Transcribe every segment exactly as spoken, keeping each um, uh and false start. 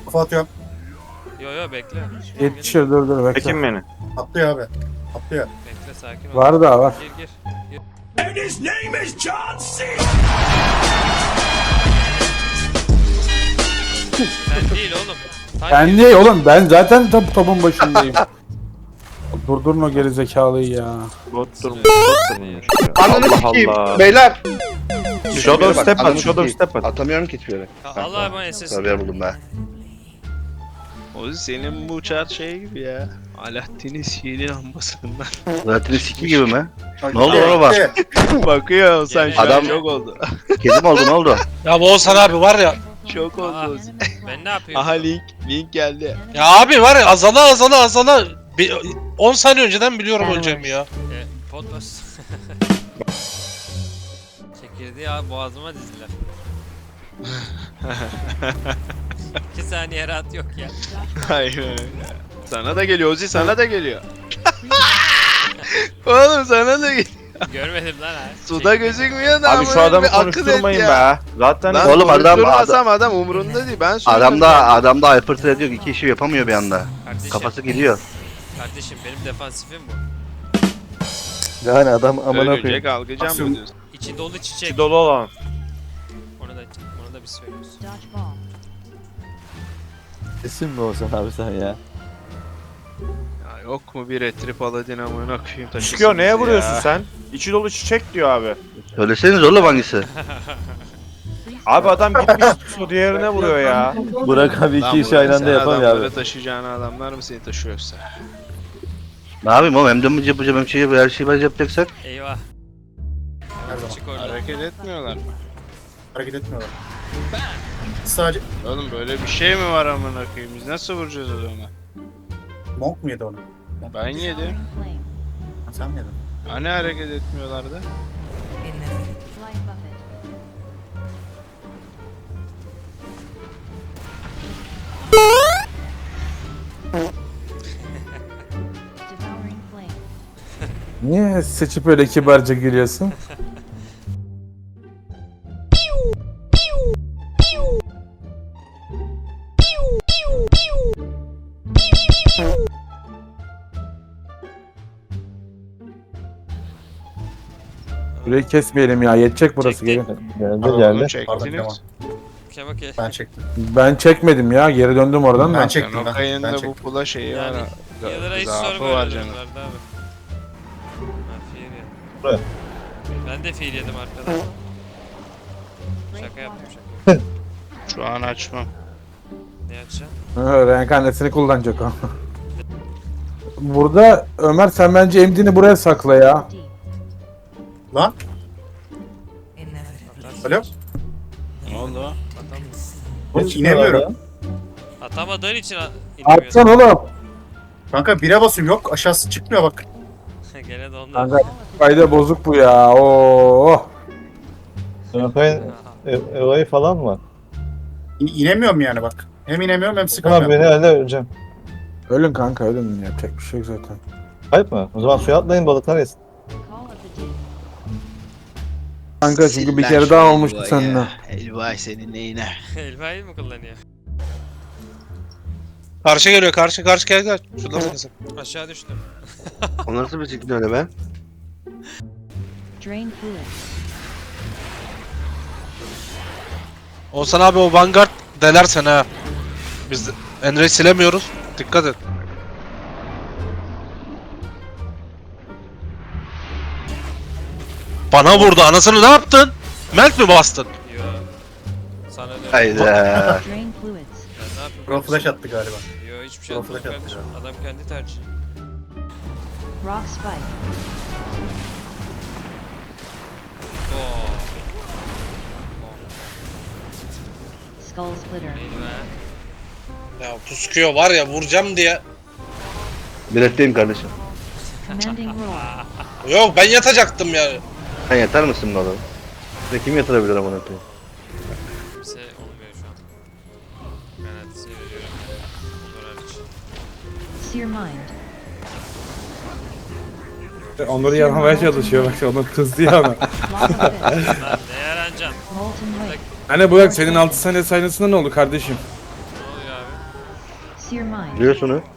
Kafa atıyorum. Yo yo bekle. Yetişir dur dur bekle. Çekin beni. Atlıyor abi. Atlıyor. Bekle sakin ol. Var da var. Gir gir. gir. And his name is John C. Sen değil oğlum. Sen Ben gir. niye oğlum? Ben zaten top, topun başındayım. Durdurun o gerizekalıyı ya. Bot durmuş. Bot durmuş. Ananı sikeyim beyler. Shadow Bak, step ananı at. Shadow sikeyim. step at. Atamıyorum ki hiçbir yere. Allah ama S S. Tabii yer buldum ben. O senin bu uçar şey gibi ya. Alaaddin'in sihirli lambasından. Zaten siki gibi mi? Ne oldu ona bak? Bakıyor sen şu Adam- an şok oldu. Kedim oldu ne oldu? Ya bu Oğuzhan abi var ya. Şok Aa, oldu. Ozi. ben ne yapıyorum? Aha link. Link geldi. Ya abi var ya azala azala azala. Bir- on saniye önceden biliyorum öleceğimi ya. E, Potlas. Çekirdeği abi boğazıma dizdiler. İki saniye rahat yok ya. Aynen öyle. Sana da geliyor Ozi, sana da geliyor. Oğlum sana da geliyor. Görmedim lan ha. Suda gözükmüyor da Abi ama şu adamı bir akıl et konuşturmayın ya. be. Zaten Lan Oğlum adam- konuşturmasam adam umurunda değil. Ben söylüyorum. Adam da adam da hyperthread diyor ki iki işi yapamıyor bir anda. Kardeşim, Kafası gidiyor. kardeşim benim defansifim bu. Yani adam amına Ölecek koyayım. algıcam mı diyorsun? İçi dolu çiçek. içi dolu olan. Onu da onu da bir söylüyoruz. Kesin mi olsan abi sen ya? Ya yok mu bir retrip Aladin amına koyayım taşısın Çıkıyor neye bizi vuruyorsun ya. sen? İçi dolu çiçek diyor abi. Söyleseniz oğlum hangisi? Abi adam gitmiş su diğerine vuruyor ya. Burak abi Lan iki işi Burak, aynı anda sen yapamıyor adamları abi. taşıyacağına adamlar mı seni taşıyorsa? Ne yapayım oğlum hem de mı yapacağım hem şey her şeyi ben yapacaksak. Eyvah. Her zaman. Çık orada. Hareket etmiyorlar mı? Hareket etmiyorlar. Sadece Oğlum böyle bir şey mi var amına koyayım? Biz nasıl vuracağız adamı? Monk mu yedi onu? Ben yedim. Ha, sen mi yedin? Hani hareket etmiyorlardı? Niye seçip öyle kibarca gülüyorsun? Burayı kesmeyelim ya, yetecek burası Çekti. gelin. Geldi Oğlum geldi. Pardon Kemal. çektiniz. Kemal ke. Ben çektim. Ben çekmedim ya, geri döndüm oradan Ben da. çektim ben. Sen o Ben kayında bu çektim. pula şeyi var. Yani ha. Yıldıra hiç Zaafı sorma var öyle canım. durumlarda abi. Ha fiil yedim. Buraya. Ben de fiil yedim arkadan. Şaka yaptım şaka. Şu an açmam. Ne açacağım? Ha, reenkarnesini kullanacak o. Burada Ömer sen bence emdini buraya sakla ya. Lan. Alo? Ne oldu? Atam Ben inemiyorum. Atamadığın için a- inemiyorsun. Atsan oğlum. Kanka bire basıyorum yok aşağısı çıkmıyor bak. Gene de ondan. Kanka kayda bozuk bu ya. Oo. Öpeyim Elo'yu falan mı? İ- inemiyorum yani bak. Hem inemiyorum hem Ama sıkamıyorum. beni öyle öleceğim. Ölün kanka ölün, yapacak bir şey yok zaten. Kayıp mı? O zaman suya atlayın balıklar yesin. Kanka çünkü bir kere daha olmuştu seninle. Elvay senin neyine? Elmayı mı kullanıyor? Karşı geliyor karşı karşı gel gel. Şuradan bakasın. Aşağı düştüm. O nasıl bir şekilde öyle be? Drain fluid. Oğuzhan abi o Vanguard delersen ha. Biz Enre'yi silemiyoruz. Dikkat et. Bana vurdu anasını, ne yaptın? Melt mi bastın? Yo. Sana da. Hayda. Drain fluids. Ya ne yapayım? Pro flash attı galiba. Yo hiçbir şey Pro atmadım flash attı kardeşim. Adam kendi tercihi. Rock spike. Oo. Skull splitter. Neydi be? Ya puskuyor var ya, vuracağım diye. Biletteyim kardeşim. Commanding roar. Yok ben yatacaktım ya. Sen yatar mısın bu adamı? Ve kim yatırabilir amına koyayım? Kimse olmuyor şu an. Garantisi veriyorum. Onur hariç. Sear mind. Onları yapmaya çalışıyor bak, onu kızdı ya ona. Lock of fist. Lan ne yarancan? Molten wake. Hani Burak senin altı saniye saynesinde ne oldu kardeşim? Ne oluyor abi? Sear mind. Biliyorsun onu.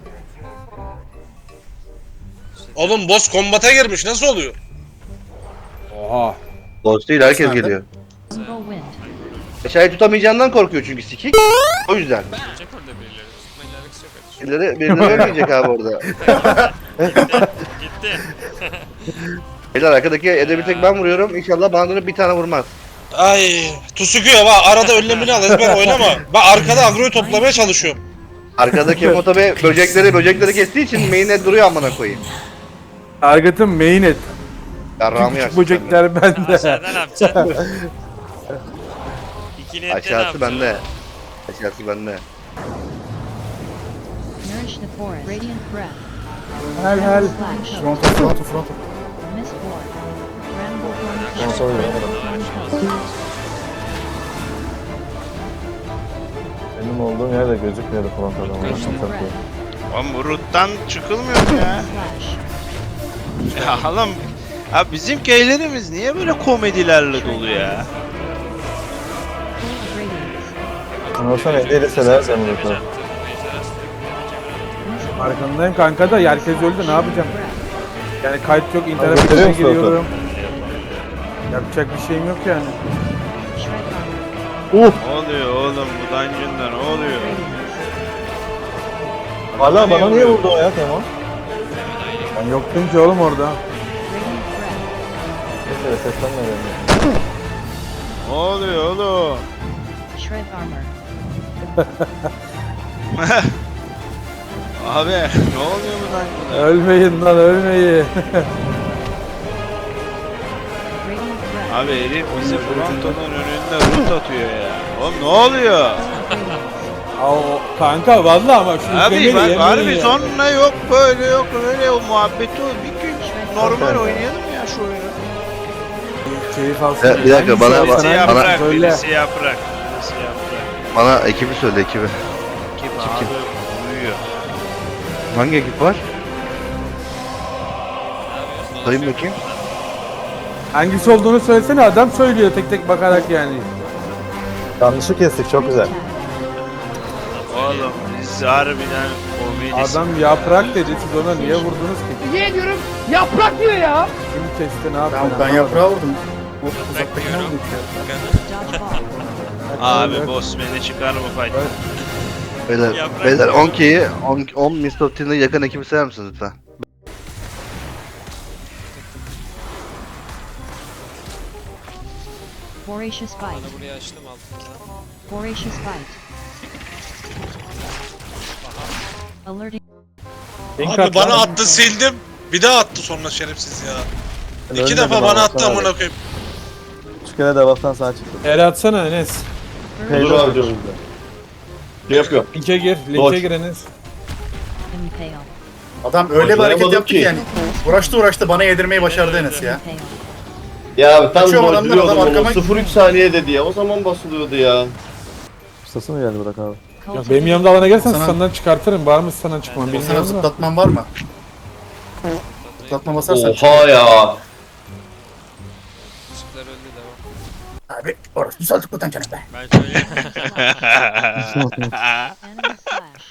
Oğlum boss kombata girmiş nasıl oluyor? Oha. Boss değil herkes Nerede? geliyor. Jungle wind. Eşyayı tutamayacağından korkuyor çünkü sikik. O yüzden. Gelecek orada birileri. Tutmayla alakası yok kardeşim. Birileri, birileri ölmeyecek abi orada. Gitti. Beyler arkadaki ede bir tek ben vuruyorum. İnşallah bana dönüp bir tane vurmaz. Ay Tusukuyor bak arada önlemini al ezber oynama. Ben arkada agroyu toplamaya çalışıyorum. Arkadaki Emoto Bey böcekleri böcekleri kestiği için main'e duruyor amına koyayım. Target'ın main et. Yarrağımı Küçük yaksın. böcekler bende. Aşağıda ne yapacaksın? İki niyette ne Aşağısı yapacaksın? bende. Aşağısı bende. Nourish the forest. Radiant breath. Hel hel. Flash. Fronto fronto fronto. Mist ward. Ramble Onu horn. soruyor. Horn Benim olduğum yerde gözükmüyordu frontalda. Onu Radiant satıyor. breath. Oğlum bu root'tan çıkılmıyor mu ya? Flash. Ya oğlum. Abi bizim köylerimiz niye böyle komedilerle dolu ya? Full of radiance. Onu olsa ne değilseler sen bunu Mist ward. Arkandayım kanka da herkes öldü ne yapacağım? Breath. Yani kayıt yok Abi, internet götürüyor içine musun giriyorum. Yapacak bir şeyim yok yani. Shred armor. Ne oluyor oğlum bu dungeon'da ne oluyor? Radiance. Valla bana niye vurdu o ya Teman? Ben yoktum ki oğlum orada. Radiant breath. Neyse seslenme beni. Ne oluyor oğlum? Shred armor. Abi ne oluyor bu dungeon'da? Ölmeyin lan ölmeyin. Radiant breath. Abi herif bizi frontonun önünde root atıyor ya. Oğlum ne oluyor? Radiance. Aa, o- kanka vallahi ama şu Abi izlemeyi bak yemeyin harbi ya. sonra yok böyle yok öyle o muhabbeti o bir gün normal oynayalım ya şu oyunu. Keyif alsın. Ya, bir dakika, bana- Hangisi Birisi olsan bana- yaprak, hangisi? Söyle. birisi yaprak, birisi yaprak. Bana ekibi söyle ekibi. Kim abi uyuyor. Hangi ekip var? Sayın bakayım. Hangisi olduğunu söylesene adam söylüyor tek tek bakarak yani. Yanlışı kestik çok güzel. Oğlum biz harbiden komedisi. Adam yaprak dedi siz ona niye vurdunuz ki? Niye diyorum? Yaprak diyor ya. Kim kesti ne yaptı? Ben, ben yaprağı vurdum. O uzaktakine Bekliyorum. vurdum ya. Dodgeball. Abi boss beni çıkar mı fight? Beyler, Yaprak beyler yok. on K'yi on, on Mist of Tin'e yakın ekibi sayar mısınız lütfen? Voracious bite. Bana burayı açtım altında. Voracious bite. Alerting. Abi bana attı sildim. Bir daha attı sonra şerefsiz ya. İki Önde defa de bana bana attı atsana amına koyayım. Üç kere devaktan sağa çıktı. El atsana Enes. Peylo abi Ne yapıyor? Linke gir. Linke gir Enes. Impale. Adam öyle bir hareket yaptı ki ki. yani. Uğraştı uğraştı bana yedirmeyi başardı Enes ya. Impale. Ya abi tam Kaçıyorum adamlar, adam dojluyordum arkama- onu. sıfır üç saniye dedi ya. O zaman basılıyordu ya. Ustası mı geldi Burak abi? Ya benim yanımda alana gelsen Sana- senden çıkartırım. Var mı sana çıkmam Sana bilmiyorum da. zıplatman var mı? Zıplatma basarsan. ya. Işıklar öldü devam. Abi orası saldık buradan canım be. Ben söyleyeyim. Enemy slash.